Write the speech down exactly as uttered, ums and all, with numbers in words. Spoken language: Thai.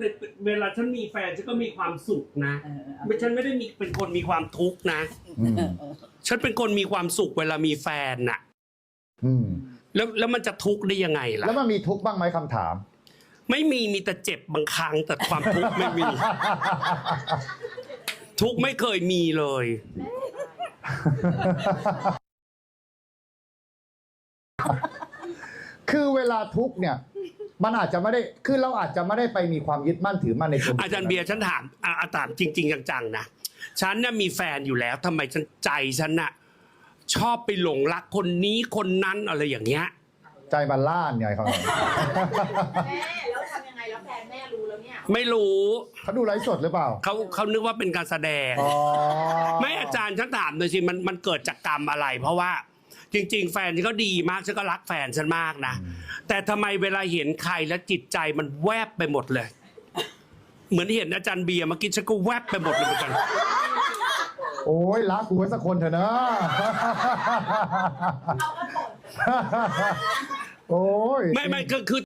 เวลาฉันมีแฟนฉันก็มีความสุขนะไม่ฉันไม่ได้มีเป็นคนมีความทุกข์นะฉันเป็นคนมีความสุขเวลามีแฟนน่ะแล้วแล้วมันจะทุกข์ได้ยังไงล่ะแล้วมันมีทุกข์บ้างไหมคำถามไม่มีมีแต่เจ็บบางครั้งแต่ความทุกข์ไม่มี ทุกข์ไม่เคยมีเลยคือเวลาทุกข์เนี่ยมันอาจจะไม่ได้คือเราอาจจะไม่ได้ไปมีความยึดมั่นถือมั่นในตัวอาจารย์เบียร์ฉันถามอาถามจริงๆจังๆนะฉันน่ะมีแฟนอยู่แล้วทำไมฉันใจฉันน่ะชอบไปหลงรักคนนี้คนนั้นอะไรอย่างเงี้ยใจมันล่านไงเขาแม่แล้วทำยังไงแล้วแฟนแม่รู้แล้วเนี่ยไม่รู้เขาดูไลฟ์สดหรือเปล่าเขาเขานึกว่าเป็นการแสดงไม่อาจารย์ฉันถามหน่อยสิมันมันเกิดจากกรรมอะไรเพราะว่าจริงๆแฟนฉันก็ดีมากฉันก็รักแฟนฉันมากนะแต่ทำไมเวลาเห็นใครแล้วจิตใจมันแวบไปหมดเลยเหมือนเห็นอาจารย์เบียร์เมื่อกี้ฉันก็แวบไปหมดเลยเหมือนกันโอ้ยรักกูไว้สักคนเถอะนะโอ้ยไม่ไม่ก็คือ